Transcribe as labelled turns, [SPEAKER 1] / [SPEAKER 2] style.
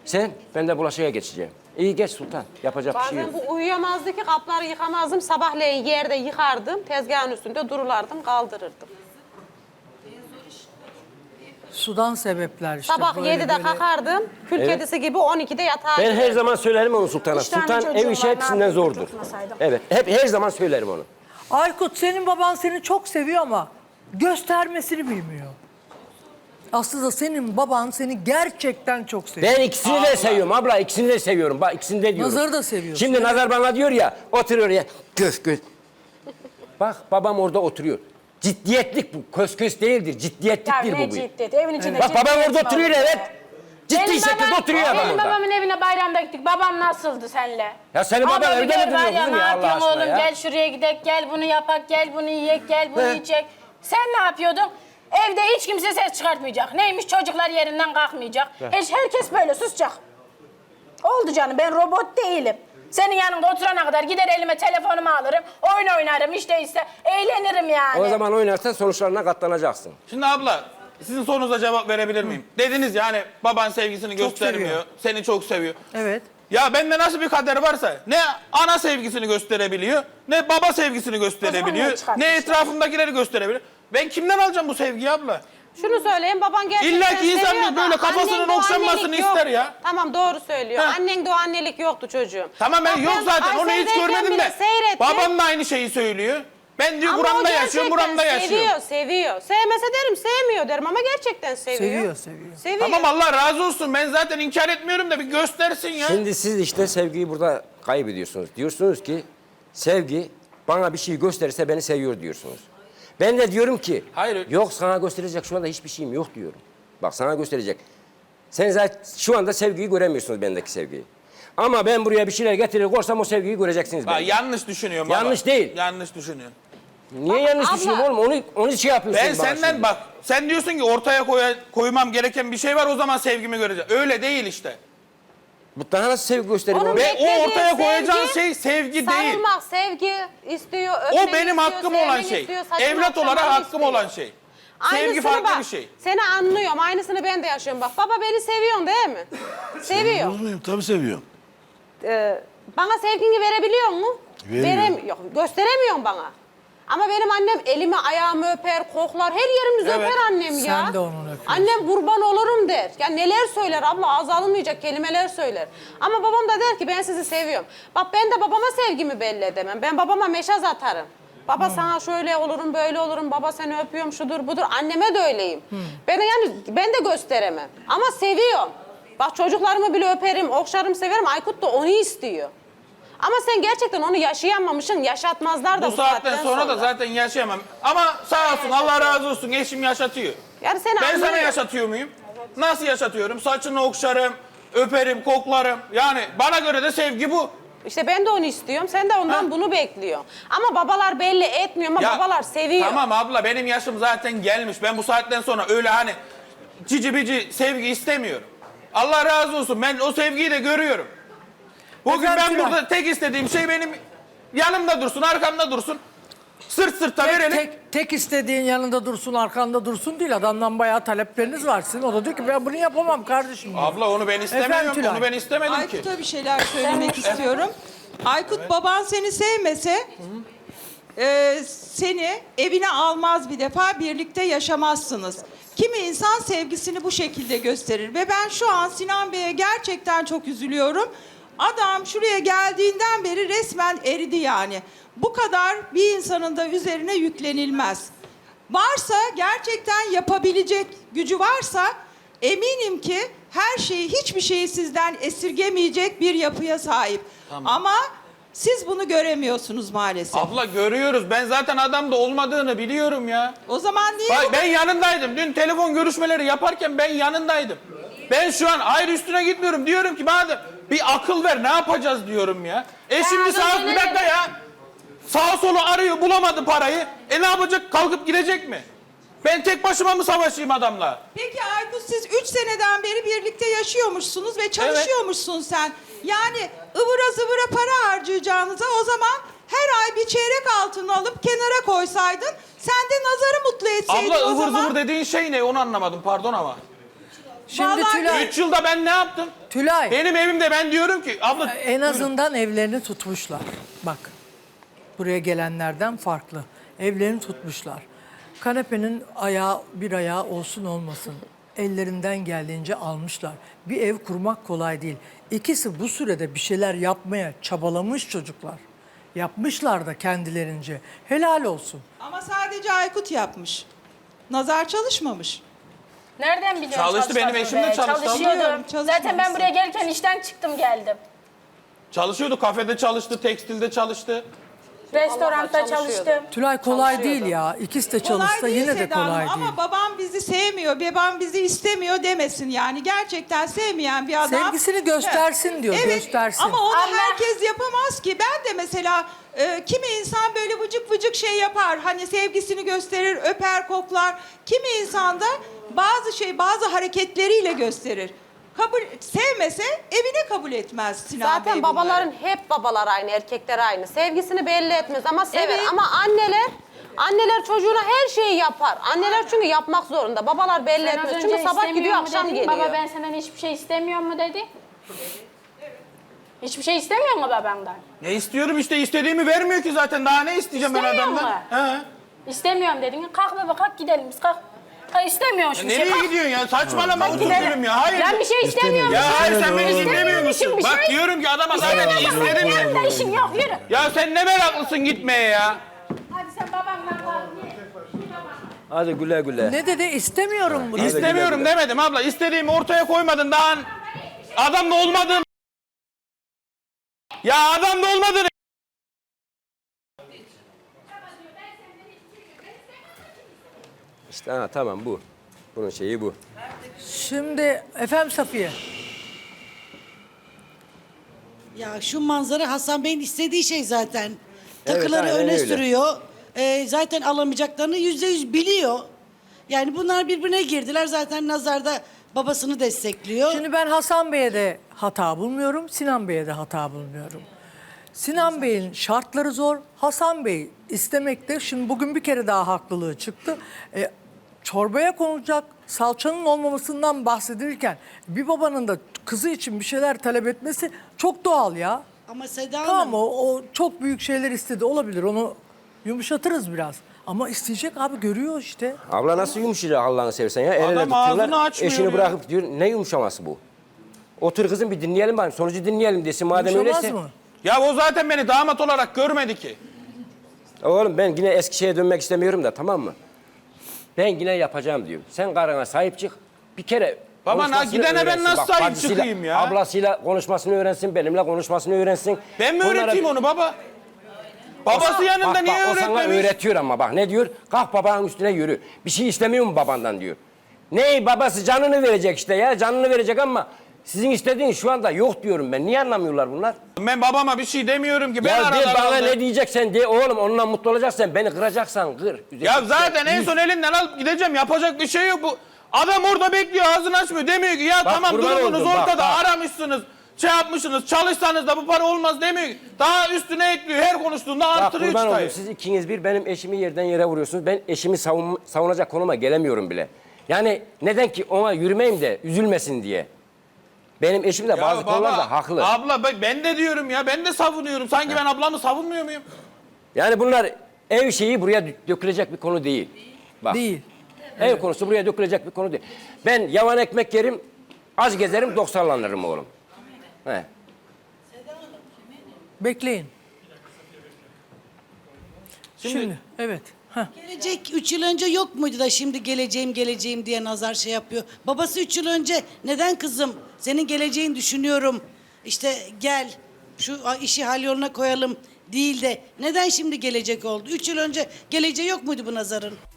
[SPEAKER 1] Ben de bulaşığa geçeceğim. İyi geç Sultan. Yapacak bir şey yok.
[SPEAKER 2] Bazen bu uyuyamazdı ki kapları yıkamazdım. Sabahleyin yerde yıkardım. Tezgahın üstünde dururlardım, kaldırırdım.
[SPEAKER 3] Sudan sebepler işte.
[SPEAKER 2] Sabah
[SPEAKER 3] böyle
[SPEAKER 2] 7'de kalkardım. Kül kedisi gibi 12'de yatağa
[SPEAKER 1] Ben her
[SPEAKER 2] girerdim.
[SPEAKER 1] zaman söylerim onu Sultan'a.
[SPEAKER 4] Üç tane
[SPEAKER 1] Sultan
[SPEAKER 4] çocuğum
[SPEAKER 1] ev
[SPEAKER 4] var,
[SPEAKER 1] işi
[SPEAKER 4] ne
[SPEAKER 1] hepsinden
[SPEAKER 4] yapayım,
[SPEAKER 1] zordur.
[SPEAKER 4] tutmasaydım.
[SPEAKER 1] Evet. Her zaman söylerim onu.
[SPEAKER 3] Aykut, senin baban seni çok seviyor ama göstermesini bilmiyor. Aslında senin baban seni gerçekten çok seviyor.
[SPEAKER 1] Ben ikisini de seviyorum abla. İkisini de seviyorum. Bak ikisini de diyorum.
[SPEAKER 3] Nazar'ı da seviyorsun.
[SPEAKER 1] Şimdi Nazar bana diyor ya, oturuyor ya. Göz. Bak babam orada oturuyor. Ciddiyetlik bu. Kös değildir.
[SPEAKER 4] Ya
[SPEAKER 1] Ciddiyetliktir
[SPEAKER 4] ne
[SPEAKER 1] bu.
[SPEAKER 4] ciddiyeti? Evin içinde
[SPEAKER 1] Bak babam
[SPEAKER 4] ciddiyet
[SPEAKER 1] orada
[SPEAKER 4] mi
[SPEAKER 1] oturuyor
[SPEAKER 4] olur?
[SPEAKER 1] evet. Ciddi
[SPEAKER 5] Benim
[SPEAKER 1] şekilde
[SPEAKER 5] babam-
[SPEAKER 1] oturuyor adam
[SPEAKER 5] Benim
[SPEAKER 1] orada.
[SPEAKER 5] babamın evine bayramda gittik. Babam nasıldı senle?
[SPEAKER 1] Ya senin baban
[SPEAKER 5] Abla bir
[SPEAKER 1] evde mi
[SPEAKER 5] gör
[SPEAKER 1] duruyor
[SPEAKER 5] var ya,
[SPEAKER 1] kızım
[SPEAKER 5] ne
[SPEAKER 1] ya Allah
[SPEAKER 5] yapıyorsun
[SPEAKER 1] aşkına
[SPEAKER 5] oğlum?
[SPEAKER 1] ya?
[SPEAKER 5] Gel şuraya gidek, gel bunu yapak, gel bunu yiyek, gel bunu
[SPEAKER 1] He.
[SPEAKER 5] yiyecek. Sen ne yapıyordun? Evde hiç kimse ses çıkartmayacak. Neymiş, çocuklar yerinden kalkmayacak. Herkes böyle susacak. Oldu canım, ben robot değilim. Senin yanında oturana kadar gider elime telefonumu alırım, oyun oynarım, işte eğlenirim yani.
[SPEAKER 1] O zaman oynarsan sonuçlarına katlanacaksın.
[SPEAKER 6] Şimdi abla sizin sorunuza cevap verebilir miyim? Dediniz yani baban sevgisini
[SPEAKER 3] Çok
[SPEAKER 6] göstermiyor.
[SPEAKER 3] seviyor.
[SPEAKER 6] Seni çok seviyor.
[SPEAKER 3] Evet.
[SPEAKER 6] Ya bende nasıl bir kader varsa ne ana sevgisini gösterebiliyor, ne baba sevgisini
[SPEAKER 4] O zaman
[SPEAKER 6] gösterebiliyor,
[SPEAKER 4] ne çıkartmış
[SPEAKER 6] ne
[SPEAKER 4] ya?
[SPEAKER 6] etrafındakileri gösterebiliyor. Ben kimden alacağım bu sevgiyi abla?
[SPEAKER 2] Şunu söyleyeyim, baban gerçekten
[SPEAKER 6] İlla ki insan
[SPEAKER 2] seviyor
[SPEAKER 6] bir
[SPEAKER 2] da
[SPEAKER 6] böyle kafasının
[SPEAKER 2] annende o
[SPEAKER 6] okşanmasını
[SPEAKER 2] annelik yok.
[SPEAKER 6] ister ya.
[SPEAKER 2] Tamam doğru söylüyor.
[SPEAKER 6] Ha.
[SPEAKER 2] Annende o annelik yoktu çocuğum.
[SPEAKER 6] Tamam ben
[SPEAKER 2] Bak
[SPEAKER 6] yok zaten onu hiç
[SPEAKER 2] Aysel'deyken
[SPEAKER 6] görmedim
[SPEAKER 2] bile
[SPEAKER 6] de.
[SPEAKER 2] seyrettim.
[SPEAKER 6] Babam da aynı şeyi söylüyor. Ben diyor
[SPEAKER 2] Ama o
[SPEAKER 6] buramda yaşıyorum, buramda
[SPEAKER 2] gerçekten
[SPEAKER 6] yaşıyorum.
[SPEAKER 2] Seviyor. Sevmese derim, sevmiyor derim ama gerçekten seviyor.
[SPEAKER 3] Seviyor.
[SPEAKER 2] Seviyor.
[SPEAKER 6] Tamam Allah razı olsun. Ben zaten inkar etmiyorum da bir göstersin ya.
[SPEAKER 1] Şimdi siz işte sevgiyi burada kaybediyorsunuz. Diyorsunuz ki sevgi bana bir şey gösterirse beni seviyor diyorsunuz. Ben de diyorum ki
[SPEAKER 6] Hayır.
[SPEAKER 1] yok sana gösterecek şu anda hiçbir şeyim yok diyorum. Bak sana gösterecek. Sen zaten şu anda sevgiyi göremiyorsunuz bendeki sevgiyi. Ama ben buraya bir şeyler getirir korsam o sevgiyi göreceksiniz
[SPEAKER 6] Bak,
[SPEAKER 1] bende.
[SPEAKER 6] yanlış düşünüyorum baba.
[SPEAKER 1] Yanlış değil.
[SPEAKER 6] Yanlış düşünüyorum.
[SPEAKER 1] Niye yanlış
[SPEAKER 2] abla-
[SPEAKER 1] düşünüyorum oğlum? Onu şey yapıyorsunuz
[SPEAKER 6] Ben
[SPEAKER 1] bana
[SPEAKER 6] senden
[SPEAKER 1] şimdi.
[SPEAKER 6] bak, sen diyorsun ki ortaya koymam gereken bir şey var, o zaman sevgimi göreceğim. Öyle değil işte.
[SPEAKER 1] Bu daha nasıl sevgi gösteriyor?
[SPEAKER 2] Onun
[SPEAKER 1] oğlum?
[SPEAKER 6] Ve o
[SPEAKER 2] beklediği
[SPEAKER 6] ortaya koyacağın
[SPEAKER 2] sevgi,
[SPEAKER 6] şey sevgi değil.
[SPEAKER 2] Sarılmak, sevgi istiyor,
[SPEAKER 6] O
[SPEAKER 2] öpmek
[SPEAKER 6] benim
[SPEAKER 2] istiyor,
[SPEAKER 6] hakkım olan
[SPEAKER 2] sevmek
[SPEAKER 6] şey.
[SPEAKER 2] istiyor, saçını
[SPEAKER 6] Evlat olarak
[SPEAKER 2] okşamak
[SPEAKER 6] hakkım
[SPEAKER 2] istiyor.
[SPEAKER 6] olan şey. Sevgi
[SPEAKER 2] Aynısını
[SPEAKER 6] farklı
[SPEAKER 2] bak,
[SPEAKER 6] bir şey.
[SPEAKER 2] Seni anlıyorum. Aynısını ben de yaşıyorum. Bak baba beni seviyorsun değil mi? Seviyor.
[SPEAKER 7] Muyum? Tabii seviyorum.
[SPEAKER 2] Bana sevgini verebiliyor mu?
[SPEAKER 7] Veriyor.
[SPEAKER 2] Yok, gösteremiyorsun bana. Ama benim annem elimi ayağımı öper, koklar, her yerimizi
[SPEAKER 6] Evet.
[SPEAKER 2] öper annem ya.
[SPEAKER 3] Sen de onun öpüyorsun.
[SPEAKER 2] Annem kurban olurum der. Ya neler söyler abla, ağzı alınmayacak kelimeler söyler. Ama babam da der ki ben sizi seviyorum. Bak ben de babama sevgimi belli edemem. Ben babama meşaz atarım. Baba sana şöyle olurum, böyle olurum, baba seni öpüyorum, şudur budur. Anneme de öyleyim. Ben de gösteremem. Ama seviyorum. Bak çocuklarımı bile öperim, okşarım, severim. Aykut da onu istiyor. Ama sen gerçekten onu yaşayamamışsın, yaşatmazlar da
[SPEAKER 6] Bu saatten sonra da zaten yaşayamam. Ama sağ olsun, Allah razı olsun, eşim yaşatıyor.
[SPEAKER 2] Yani seni
[SPEAKER 6] Ben sana
[SPEAKER 2] anlıyorum.
[SPEAKER 6] yaşatıyor muyum? Nasıl yaşatıyorum? Saçını okşarım, öperim, koklarım. Yani bana göre de sevgi bu.
[SPEAKER 2] İşte ben de onu istiyorum, sen de ondan bunu bekliyorsun. Ama babalar belli etmiyor ama
[SPEAKER 6] Ya,
[SPEAKER 2] babalar seviyor.
[SPEAKER 6] Tamam abla, benim yaşım zaten gelmiş. Ben bu saatten sonra öyle hani cici bici sevgi istemiyorum. Allah razı olsun, ben o sevgiyi de görüyorum. Bugün
[SPEAKER 3] Efendim,
[SPEAKER 6] ben
[SPEAKER 3] Tülay.
[SPEAKER 6] burada tek istediğim şey benim yanımda dursun, arkamda dursun. Sırt sırta verelim.
[SPEAKER 3] Tek istediğin yanında dursun, arkanda dursun değil. Adamdan bayağı talepleriniz var sizin. O da diyor ki ben bunu yapamam kardeşim diyor.
[SPEAKER 6] Abla onu ben istemiyorum,
[SPEAKER 3] Tülay.
[SPEAKER 6] onu ben istemedim ki.
[SPEAKER 8] Aykut'a bir şeyler söylemek istiyorum. Aykut baban seni sevmese seni evine almaz, bir defa birlikte yaşamazsınız. Kimi insan sevgisini bu şekilde gösterir ve ben şu an Sinan Bey'e gerçekten çok üzülüyorum. Adam şuraya geldiğinden beri resmen eridi yani. Bu kadar bir insanın da üzerine yüklenilmez. Varsa, gerçekten yapabilecek gücü varsa eminim ki her şeyi, hiçbir şeyi sizden esirgemeyecek bir yapıya sahip. Ama siz bunu göremiyorsunuz maalesef.
[SPEAKER 6] Abla görüyoruz, ben zaten adamda olmadığını biliyorum ya.
[SPEAKER 8] O zaman niye
[SPEAKER 6] Bak
[SPEAKER 8] bu
[SPEAKER 6] ben yanındaydım, dün telefon görüşmeleri yaparken ben yanındaydım. Ben şu an ayrı üstüne gitmiyorum, diyorum ki bana bir akıl ver, ne yapacağız diyorum ya. Şimdi sağ bir dakika ya. Sağa solu arıyor, bulamadı parayı. Ne yapacak, kalkıp gidecek mi? Ben tek başıma mı savaşayım adamla?
[SPEAKER 8] Peki Aykut, siz 3 seneden beri birlikte yaşıyormuşsunuz ve çalışıyormuşsun sen. Yani ıvıra zıvıra para harcayacağınıza o zaman her ay bir çeyrek altın alıp kenara koysaydın, sen de Nazar'ı mutlu etseydin
[SPEAKER 6] Abla
[SPEAKER 8] o
[SPEAKER 6] ıvır
[SPEAKER 8] zaman.
[SPEAKER 6] zıvır dediğin şey ne, onu anlamadım, pardon ama.
[SPEAKER 3] Şimdi
[SPEAKER 8] Vallahi
[SPEAKER 3] Tülay,
[SPEAKER 6] 3 yılda ben ne yaptım?
[SPEAKER 3] Tülay
[SPEAKER 6] Benim evimde ben diyorum ki abla
[SPEAKER 3] en azından evlerini tutmuşlar. Bak, buraya gelenlerden farklı. Evlerini tutmuşlar. Kanepenin bir ayağı olsun olmasın. Ellerinden geldiğince almışlar. Bir ev kurmak kolay değil. İkisi bu sürede bir şeyler yapmaya çabalamış çocuklar. Yapmışlar da kendilerince. Helal olsun.
[SPEAKER 8] Ama sadece Aykut yapmış. Nazar çalışmamış.
[SPEAKER 5] Nereden biliyorsun?
[SPEAKER 6] Çalıştı, benim
[SPEAKER 5] çalışmadığını
[SPEAKER 6] eşim de
[SPEAKER 5] be?
[SPEAKER 6] çalıştı.
[SPEAKER 5] Çalışıyordum.
[SPEAKER 8] Biliyorum,
[SPEAKER 5] Zaten ben buraya gelirken işten çıktım geldim.
[SPEAKER 6] çalışıyordu, kafede çalıştı, tekstilde çalıştı.
[SPEAKER 5] Restoranda
[SPEAKER 2] çalışıyordu.
[SPEAKER 5] çalıştım.
[SPEAKER 3] Tülay kolay değil ya. İkisi de
[SPEAKER 8] Kolay
[SPEAKER 3] çalışsa
[SPEAKER 8] değil
[SPEAKER 3] yine de
[SPEAKER 8] Seda Hanım
[SPEAKER 3] kolay değil.
[SPEAKER 8] ama babam bizi sevmiyor, babam bizi istemiyor demesin yani. Gerçekten sevmeyen bir adam.
[SPEAKER 3] Sevgisini göstersin diyor,
[SPEAKER 8] Evet,
[SPEAKER 3] göstersin.
[SPEAKER 8] ama onu
[SPEAKER 5] Ama-
[SPEAKER 8] herkes yapamaz ki. Ben de mesela kimi insan böyle vıcık vıcık şey yapar. Hani sevgisini gösterir, öper, koklar. Kimi insan da bazı hareketleriyle gösterir. Sevmese evine kabul etmez Sinan Bey
[SPEAKER 2] Zaten
[SPEAKER 8] bunları.
[SPEAKER 2] babaların hep babalar aynı, erkekler aynı. Sevgisini belli etmez ama sever.
[SPEAKER 8] Evet.
[SPEAKER 2] Ama anneler çocuğuna her şeyi yapar. Anneler çünkü yapmak zorunda. Babalar belli
[SPEAKER 5] Sen az
[SPEAKER 2] etmez.
[SPEAKER 5] önce
[SPEAKER 2] Çünkü sabah
[SPEAKER 5] istemiyor
[SPEAKER 2] gidiyor,
[SPEAKER 5] mu
[SPEAKER 2] akşam
[SPEAKER 5] dedin?
[SPEAKER 2] geliyor.
[SPEAKER 5] Baba ben senden hiçbir şey istemiyorum mu dedi? Hiçbir şey istemiyor mu babandan?
[SPEAKER 6] Ne istiyorum işte, istediğimi vermiyor ki zaten. Daha ne isteyeceğim ben
[SPEAKER 5] İstemiyor
[SPEAKER 6] adamdan?
[SPEAKER 5] mu?
[SPEAKER 6] He.
[SPEAKER 5] İstemiyorum dedin. Kalk baba kalk gidelim biz kalk. Ha, istemiyorsun şimdi.
[SPEAKER 6] Nereye
[SPEAKER 5] kalk.
[SPEAKER 6] gidiyorsun ya? Saçmalama otur
[SPEAKER 5] Gidelim.
[SPEAKER 6] gülüm ya. Hayır.
[SPEAKER 5] Ben bir şey istemiyorum.
[SPEAKER 6] Ya hayır, sen beni dinlemiyor
[SPEAKER 5] İstemiyormuşum
[SPEAKER 6] musun?
[SPEAKER 5] bir
[SPEAKER 6] Bak
[SPEAKER 5] şey.
[SPEAKER 6] diyorum ki adama zaten istedim ya.
[SPEAKER 5] Benim de işim yok yürü.
[SPEAKER 6] Ya sen ne meraklısın gitmeye ya?
[SPEAKER 5] Hadi sen babanla kal.
[SPEAKER 1] Hadi güle güle.
[SPEAKER 3] Ne dedi? İstemiyorum bunu.
[SPEAKER 6] İstemiyorum demedim abla. İstediğimi ortaya koymadın daha. Adamla olmadığım. Ya adamla olmadığını.
[SPEAKER 1] İşte tamam bu. Bunun şeyi bu.
[SPEAKER 3] Şimdi efendim Safiye.
[SPEAKER 4] Ya şu manzara Hasan Bey'in istediği şey zaten. Takıları
[SPEAKER 1] aynen
[SPEAKER 4] öne
[SPEAKER 1] öyle.
[SPEAKER 4] sürüyor. Zaten alamayacaklarını %100 biliyor. Yani bunlar birbirine girdiler. Zaten Nazar da babasını destekliyor.
[SPEAKER 3] Şimdi ben Hasan Bey'e de hata bulmuyorum, Sinan Bey'e de hata bulmuyorum. Sinan Bey'in şartları zor. Hasan Bey istemekte, şimdi bugün bir kere daha haklılığı çıktı. Çorbaya konulacak salçanın olmamasından bahsedilirken bir babanın da kızı için bir şeyler talep etmesi çok doğal ya.
[SPEAKER 4] Ama Seda Hanım,
[SPEAKER 3] Tamam o çok büyük şeyler istedi, olabilir, onu yumuşatırız biraz. Ama isteyecek abi, görüyor işte.
[SPEAKER 1] Abla nasıl yumuşayacak Allah'ını seversen ya? El ele
[SPEAKER 6] Adam ağzını
[SPEAKER 1] tutuyorlar,
[SPEAKER 6] açmıyor
[SPEAKER 1] eşini
[SPEAKER 6] ya.
[SPEAKER 1] bırakıp diyor ne yumuşaması bu? Otur kızım bir dinleyelim bari, sonucu dinleyelim desin madem
[SPEAKER 3] Yumuşamaz
[SPEAKER 1] öyleyse.
[SPEAKER 3] mı?
[SPEAKER 6] Ya o zaten beni damat olarak görmedi ki.
[SPEAKER 1] Oğlum ben yine eski şeye dönmek istemiyorum da, tamam mı? Ben yine yapacağım diyor. Sen karına sahip çık. Bir kere
[SPEAKER 6] Baba,
[SPEAKER 1] konuşmasını
[SPEAKER 6] gidene ben
[SPEAKER 1] öğrensin.
[SPEAKER 6] nasıl
[SPEAKER 1] Bak,
[SPEAKER 6] sahip
[SPEAKER 1] bacısıyla,
[SPEAKER 6] çıkayım ya?
[SPEAKER 1] Ablasıyla konuşmasını öğrensin, benimle konuşmasını öğrensin.
[SPEAKER 6] Ben mi
[SPEAKER 1] Bunlara-
[SPEAKER 6] öğreteyim onu baba? Babası yanında
[SPEAKER 1] Bak,
[SPEAKER 6] niye
[SPEAKER 1] o sana
[SPEAKER 6] öğretmemiş?
[SPEAKER 1] öğretiyor ama bak ne diyor? Kalk babanın üstüne yürü. Bir şey istemiyor mu babandan diyor. Ney babası canını verecek işte ya, canını verecek ama sizin istediğiniz şu anda yok diyorum ben. Niye anlamıyorlar bunlar?
[SPEAKER 6] Ben babama bir şey demiyorum ki. Ben
[SPEAKER 1] Ya de
[SPEAKER 6] aralarında-
[SPEAKER 1] bana ne diyeceksen de oğlum, onunla mutlu olacaksan beni kıracaksan kır.
[SPEAKER 6] Ya zaten en son elinden alıp gideceğim. Yapacak bir şey yok bu. Adam orada bekliyor, ağzını açmıyor. Demiyor ki ya
[SPEAKER 1] Bak,
[SPEAKER 6] tamam
[SPEAKER 1] kurban
[SPEAKER 6] durumunuz
[SPEAKER 1] oldum, bak,
[SPEAKER 6] ortada,
[SPEAKER 1] bak.
[SPEAKER 6] aramışsınız. Şey yapmışsınız, çalışsanız da bu para olmaz demiyor ki. Daha üstüne ekliyor, her konuştuğunda
[SPEAKER 1] Bak
[SPEAKER 6] artırıyor
[SPEAKER 1] kurban
[SPEAKER 6] çıtayı.
[SPEAKER 1] oldum, siz ikiniz bir benim eşimi yerden yere vuruyorsunuz. Ben eşimi savunacak konuma gelemiyorum bile. Yani neden ki ona yürümeyeyim de üzülmesin diye. Benim eşim de
[SPEAKER 6] Ya
[SPEAKER 1] bazı konularda haklı.
[SPEAKER 6] Abla ben de diyorum ya, ben de savunuyorum. Sanki ben ablamı savunmuyor muyum?
[SPEAKER 1] Yani bunlar ev şeyi buraya dökülecek bir konu değil. Bak,
[SPEAKER 3] Değil.
[SPEAKER 1] ev konusu buraya dökülecek bir konu değil. Ben yavan ekmek yerim, az gezerim, 90'lanırım oğlum. He.
[SPEAKER 3] Bekleyin. Şimdi evet. Heh.
[SPEAKER 4] gelecek 3 yıl önce yok muydu da şimdi geleceğim diye Nazar şey yapıyor. Babası 3 yıl önce neden kızım senin geleceğini düşünüyorum. İşte gel şu işi hal yoluna koyalım değil de neden şimdi gelecek oldu? 3 yıl önce geleceği yok muydu bu Nazar'ın?